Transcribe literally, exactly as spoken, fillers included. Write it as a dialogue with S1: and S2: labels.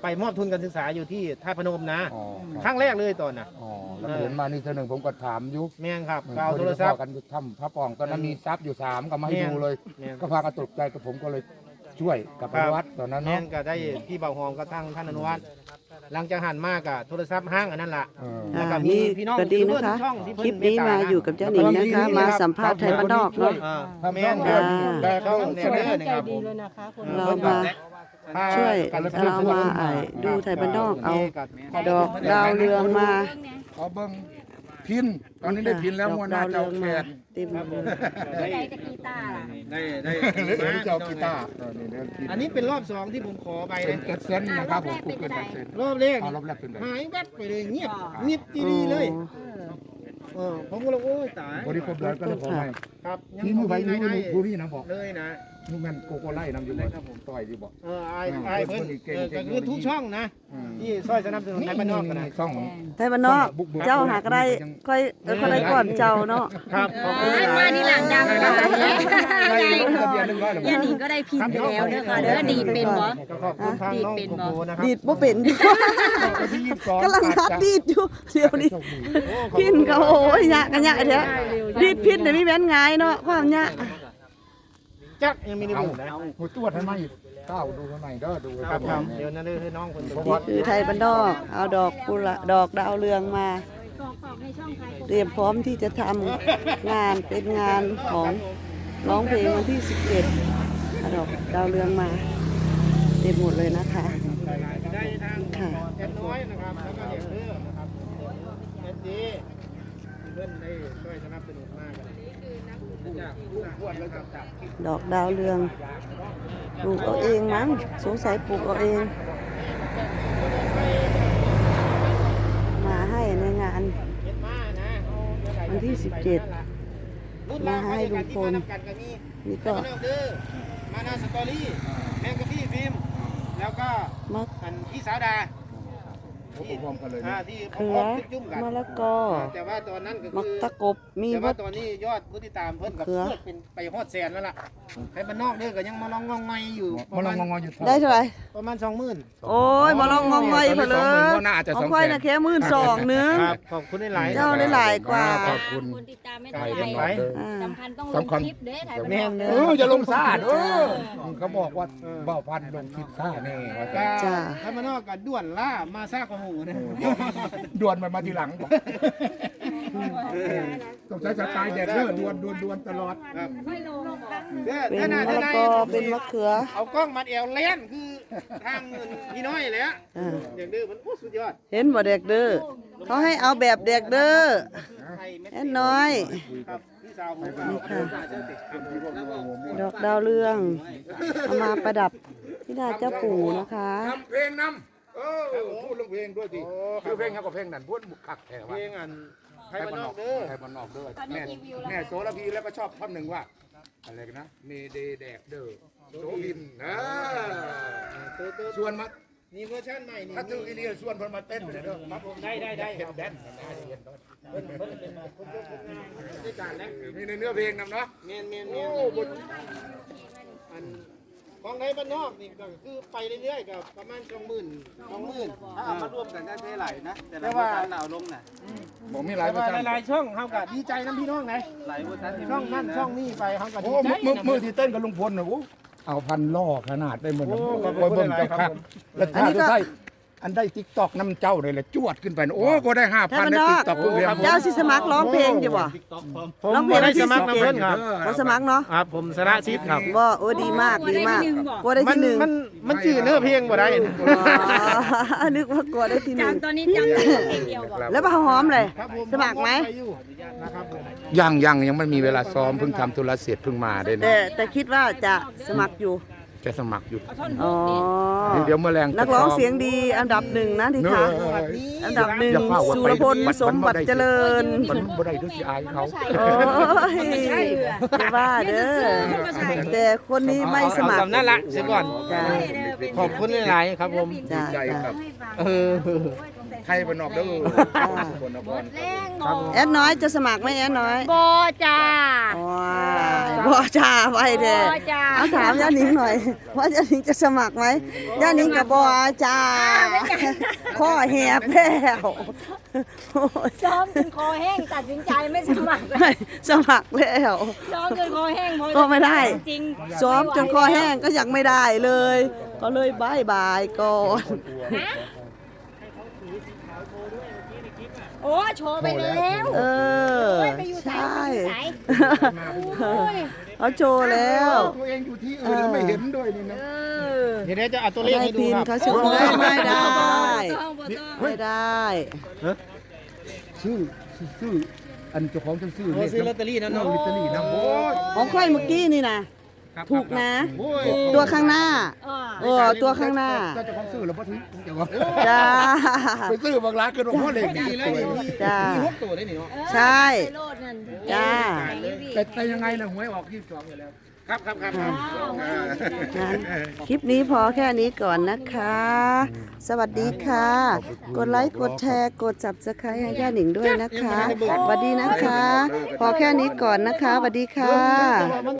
S1: ไปมอบทุนการศึกษาอยู่ที่ท่าพนมนะ
S2: อ๋อ
S1: ครั้งแรกเลยตอนน่ะ
S2: อ๋อแล้วเห็นมานี่เธอหนึ่งผมก็ถามยุ
S1: แม่งครับก็เอาโทรศัพท์
S2: กันทำพระปองตอนนั้นมีทรัพย์อยู่สามก็มาให้ดูเลย
S1: แม่น
S2: ก็พากันตกใจกับผมก็เลยช่วยกับพระวัดตอนนั้น
S1: แม่
S2: เนาะ
S1: นก็ได้พี่เบาหอมก็ทั้งท่านอนุวัฒน์หลังจากหันมากอะโทรศัพท์ห้างอันนั้นล่ะ
S2: เออ
S1: แล้วก็
S3: อ่า
S1: มี
S3: นี่
S1: พี่น้อง
S3: ก็ดีนะคะ
S1: ช่องที่
S3: ค
S1: เพิ่
S3: ลิปนี้มาอยู่กับเจ้าหนิงนะคะ มาสัมภาษณ์ไทยบ้านนอกเนาะ
S1: อ่า
S2: ทำ
S1: แม่
S2: ช่อง
S1: น
S2: เดียว
S3: อ่า
S2: แต่เขา
S1: ช่อง
S2: เสนอ
S1: แม่น
S2: นะครับ
S4: ดีเลยนะคะคน
S3: เรามาช่วยเรามาไอ้ดูไทยบ้านนอกเอาดอกดาวเรืองมา
S2: ขอเบิ้งพินตอนนี้ได้พินแล้วมัวหน้าเจ้าแขก
S3: เต็ม
S4: ได้จะกีตาร์ล่ะ
S1: ได้ได้
S2: หรือเจ้ากีตาร์เออนี่เดี๋ยวพิน
S1: อันนี้เป็นรอบสองที่ผมขอไป
S2: เป็น
S1: นะ
S2: เอ็ดเซนนะครับผมกูเกินเอ็ดเซน
S1: รอบแรก
S2: เอารอบแรกเป็นไง
S1: หายแวบไปเลยเงียบเงียบดีๆเลยเออผมก็เลยโอ้ยตาย
S2: บริครบแล้วก็เลยขอให้
S1: ครับ
S2: นี่มือไปนี่มือ
S1: ได้
S2: ผู้นี่นะบอก
S1: เลยนะ
S2: นี่แม่นโกโก้ไล่นำอยู่เลยครับผมต่อยดีบอก
S1: เออไอ้ไอ้เพิ่น
S2: เก่ง
S1: เออ
S2: เก่
S1: ก็
S2: ง
S1: คือทุกช่องนะ
S2: อืม
S1: ที่ซอยสนับสนุนไทยบ้านนอกกันนะ
S2: ช่อง
S3: ไทยบ้านนอก เจ้าหากได้ค่อยเออค่อยได้ก่อนเจ้าเนาะ
S1: ครับขอบคุณ
S4: อ่ามาที่หลังดัง
S2: ได้
S4: ค่ะ
S2: ได้ได้ลงทะเบียนหนึ่งร้อยหรือ
S4: ยันหนิงก็ได้พินไปแล้วเด้อค่ะเด้อดีดเป็นบ่
S1: ก็ขอบคุณทางน้องโกโบนะครับ
S3: ดีดบ่เป็น
S2: วันที่ยี่สิบสอง
S3: กำลังหัดดีดอยู่เดี๋ยวนี้พินก็โอ้ยยากกันยากเถอะดีดพินเดี๋ยวมีแม่นง่ายเนาะความยาก
S1: จักยังมีใน
S2: เอา
S1: หมู่นะ
S2: หัวตัวทำไมก้าวดูทำไมเด้อดู
S1: ครับครับเดี๋ยวนั่นเลยให้น้องคนดู
S3: นี่คือไทยบ้านนอกเอาดอกกุหลาบดอกดาวเรืองมา เตรียมพร้อมที่จะทำงานเป็นงานของร้องเพลงวันที่สิบเจ็ดเอาดอกดาวเรืองมาเต็มหมดเลยนะคะ
S1: ได้ทาง
S3: ค่ะ
S1: แอนน้อยนะครับแล้วก็เด็กเพื่อนะครับเอสดีเพื่อนได้ช่วยสนับสนุนมากกันจากลูกขวดแล้วจับจับ
S3: ดอกดาวเรืองปลูกเอาเองมั้งสงสัยปลูกเอาเอง มาให้ในงาน
S1: เย็ดมานะ
S3: วันที่สิบเจ็ด มาให้ลุงพล นี่ก็
S1: ก็มานาสตอรี่แมงกะพี่ฟิล์มแล้วก็
S3: มะ
S1: อันพี่สาวดา
S2: พร้อมกันเลย
S1: อ่าที่
S3: เขือ
S1: จุ่มกัน
S3: มะละกอ
S1: แต่ว่าตอนนั้นก็
S3: มัก
S1: คือ
S3: ตะกบมี
S1: แต่
S3: วั
S1: ว่า
S3: ด
S1: ตอนนี้ยอดผู้ติดตามเพิ่นกับ
S3: เขือ
S1: เพิ่นเป็นไปฮอดแสนแล้วล่ะให้บ้านนอกเด้อก็ยังมาลองงองไงอยู่ป
S2: มา
S1: ระ
S2: ล
S1: มา
S2: อง
S1: ณ
S2: งออยู่
S3: ได้เท่าไหร่
S1: ประมาณสองหมื่น
S3: โอ้ยมาลองงองไงเพนเลย
S2: น่าจะ
S3: ขอ
S2: ส
S3: ง
S2: อง
S3: ค่อย
S2: แส
S3: นะ
S2: น
S3: แค่หมื่นสองนึง
S1: ครับขอบคุณหลายๆ
S3: เจ้าได้หลายกว่า
S2: ขอบคุณ
S4: คนติดตามไม่
S2: ไท
S4: เท่าย ไหร่
S2: บ้านนอกเด้อ
S3: อ่า
S4: สำคัญต้องลงคลิปเด้อไทยบ้าน
S1: แม่
S4: นอน ก
S1: เด้
S2: เอ
S1: อ
S2: ออย่าลงซ่าเด้อเขาบอกว่าเบ้าพันลงคิดซ่าแน่ว่า
S1: ก็
S2: จะ
S3: จ้า
S1: ถ้าบ้านนอกก็ด่วนล่ามาซากกระหูนะ
S2: ด่วนมันมาทีหลังบอกต้องใช้สไตล์เด็ดเด้อด่วนด่วนด่วนตลอด
S1: ครับ
S3: เป็นมะละกอเป็นมะเขือ
S1: เอากล้องมาแอวเล่นคือทางพี่น้อยเลยอะ
S3: อ่า
S1: อย่างดื้อมันโอ้สุดยอด
S3: เห็นบ่เด็กเด้อเขาให้เอาแบบเด็กเด้อ
S1: ไทยเม็ด
S3: แอนน้อย
S1: ครับพี่สาวผมก็
S3: นี่ค่ะ
S1: เจ้าติดครับ
S3: ดอกดาวเรืองเอามาประดับที่หน้าเจ้าปู่นะคะ
S2: ทำเพลงนำเออพูดเรื่องเพลงด้วยสิชื่อเพลงเขาก็เพลงนั่นพูดบุกคักแถว
S1: เพลงอันไทยบ้านนอกเด้อ
S2: ไทยบ้านนอกเด้อแม่แม่โสระพีแล้วก็ชอบท่อนหนึ่งว่าอะไรกันนะเมเดแดกเด้อโสวินนะชวนมา
S1: นี่เวอร์ชันใหม่นี่
S2: ถ้าถึงอีเลียชวนเพิ่นมาเต้นเลยเด้อครับผม
S1: ได้ได้ได้
S2: เห็
S1: คน รับ
S2: แดนซ์นะเห็นด้วย
S1: เพิ่นเพิ่นเป็นมาคนยกคนงานด้วยกันแล้ว
S2: มีในเนื้อเพลงนำเนาะ
S1: เมียนเมียน
S2: โอ้
S1: เมียน
S2: บท
S1: อันของไทยบ้านนอกนี่ก็คือไปเรื่อยๆกับประมาณสองหมื่นสองหมื่น
S5: ถ้าเอามารวมกันได้เท่าไหร่นะ แต่
S1: แต่
S5: ละ
S1: ว่า
S5: เวอร์ชันเราเอาลงน่ะ
S2: บอกมีหลาย
S1: แต่
S2: เวอ
S1: ว่า
S2: ร์ชัน
S1: หลายๆช่องเขาก็ดีใจน้ำพี่น้องไง
S5: หลายเวอร์ชันที่
S1: ช่อง
S5: มี
S1: นั่น
S5: นะ
S1: ช่องนี่ไปเขาก็ดี
S2: โอ้
S1: ใจ
S2: มือมือ
S1: นะ
S2: ที่เต้นกับลุงพลนะโอ้เอาพันล่อขนาดได้เหมือน
S1: โอ้
S2: กับ
S1: ขอบคุณ
S2: เบิ่ง
S1: หลาย
S2: เจ้า
S1: ๆครั
S2: คั
S1: บ
S2: กแล้วถ้าได้ อันได้ติ๊กตอกน้ำเจ้าเลยแหละจวดขึ้นไปนะโอ้ก็ได้ห้า
S3: ไทย
S2: พัน
S3: บ้าน
S2: ได้
S3: นอ
S2: ติ๊
S3: ก
S2: กตอกเพิ่งเรียน
S3: เจ้าสิสมัครร้องเพลงอยู่บ่
S1: ผม
S3: ร้องเพลง
S1: บ่ได้
S3: ที่
S1: สมัคร
S3: สิบ
S1: น้ำ
S3: เจ็
S1: เพิ่
S3: ด
S1: นครับ
S3: บ่สมัครเนาะ
S1: ครับผมสระชิดครับ
S3: บ่โอ้ดีมากดีมากกลัวได้
S1: มัน
S3: ที่หนึ่ง
S1: มันมันจื่อเนื้อเพลงบ่ได้
S3: อ๋อนึกว่ากลัวได้ที่หนึ่ง
S4: จำตอนนี้จำได้เพลงเดียวบอก
S3: แล้วบ่าวหอมเลย
S1: ครับผ
S3: สมัครไหม
S1: ไปอยู่นะครับผม
S2: ยังยังยังไม่มีเวลาซ้อมเพิ่งทำธุระเสร็จเพิ่งมาได้
S3: แต่
S2: เนี่ย
S3: แต่คิดว่าจะสมัครอยู่
S2: จะสมัครอยู่
S3: อ๋อ
S2: เดี๋ยวเมื่อแรง
S3: นักร้องเสียงดีอันดับหนึ่งนะที่
S2: เนื้อ
S3: ค่ะอันดับหนึ่งสุรพลสมบัติเจริญ
S2: มันบ่ได้ด้วยสิอายเขา
S3: โอ้ยอย่าว่าเด้อแต่คนนี้ไม่สมัคร
S1: เอาคำนั่นละเสียก่อน
S3: จ้า
S1: ขอบคุณหลายๆครับผม
S3: จ้า
S2: ใจ
S3: จ้า
S2: ครับ
S1: เออ
S2: ไทยบ้านนอกเด้อสกลนคร
S4: แรงบ
S3: แอดน้อยจะสมัครไหมแอดน้อย
S4: บอจ้า
S3: ว้ายบ่จ้าไว้เด้
S4: บ่จ้า
S3: เอาถามย่านิงหน่อย ว่าย่านิงจะสมัครไหมย่านิงกับบ่จ้าข้อแหบแล้วโอ้ย
S4: ซ้อมจนคอแห้งตัดสินใจไม่สมัครเลย
S3: ไม่สมัครแล้ว
S4: ซ้อมจนคอแห้งพอ
S3: ก็ไม่ได้
S4: จริง
S3: ซ้อมจนคอแห้งก็ยังไม่ได้เลย ก็เลยบายบายก่อน
S4: ฮะโอ้โชว์ไปแล้ว
S3: เออ
S4: โอ้ยไปอยู่ไหน
S3: ใช่
S4: ไปอยู่ไหนโอ้ย
S3: เขาโชว์แล้ว
S2: ตัวเองอยู่ที่อื่นแล้วไม่เห็นด้วยนี่นะ
S4: เออ
S1: เดี๋ยวจะเอาตัวเลข
S3: ได้
S1: ให้ดู
S3: พิม
S1: ค
S3: พ์
S1: รับ
S3: เขาโชว์ได้ไม่ได้
S4: ต้องบ่ต้อง
S3: ไม่ได้
S2: ซื้อซื้ออันเจ้าของฉันซื้อ
S1: โอ้ซื้อลอตเตอรี่นั่น
S2: เนาะ
S1: เนาะ
S2: ลอตเตอรี่นะโอ้ย
S3: ของค่อยเมื่อกี้นี่นะถูกนะ
S1: โอ้ย
S3: ตัวข้างหน้า
S4: อ่า
S3: เออตัวข้างหน้า
S2: เจ้าของซื้อแล้วพอถึงเจ้าของ
S3: จ้า
S2: ไปซื้อบางร้านเกินหัวเลข
S1: ดี
S2: ดี
S1: เล
S2: เลย ย
S1: มี
S3: จ้า
S1: มีหกตัวได้นี่เนาะ
S3: ใช่
S4: ไปโลดนั่น
S3: จ้า
S2: แต่แต่ยังไงนะหวยออกยี่สิบสองอยู่แล้ว
S1: ครับครับครับครับ
S3: งั้นคลิปนี้พอแค่นี้ก่อนนะคะ สวัสดีค่ะ กดไลค์ กดแชร์ กด ซับสไครบ์ ให้ย่าหนิงด้วยนะคะ สวัสดีนะคะ พอแค่นี้ก่อนนะคะ สวัสดีค่ะ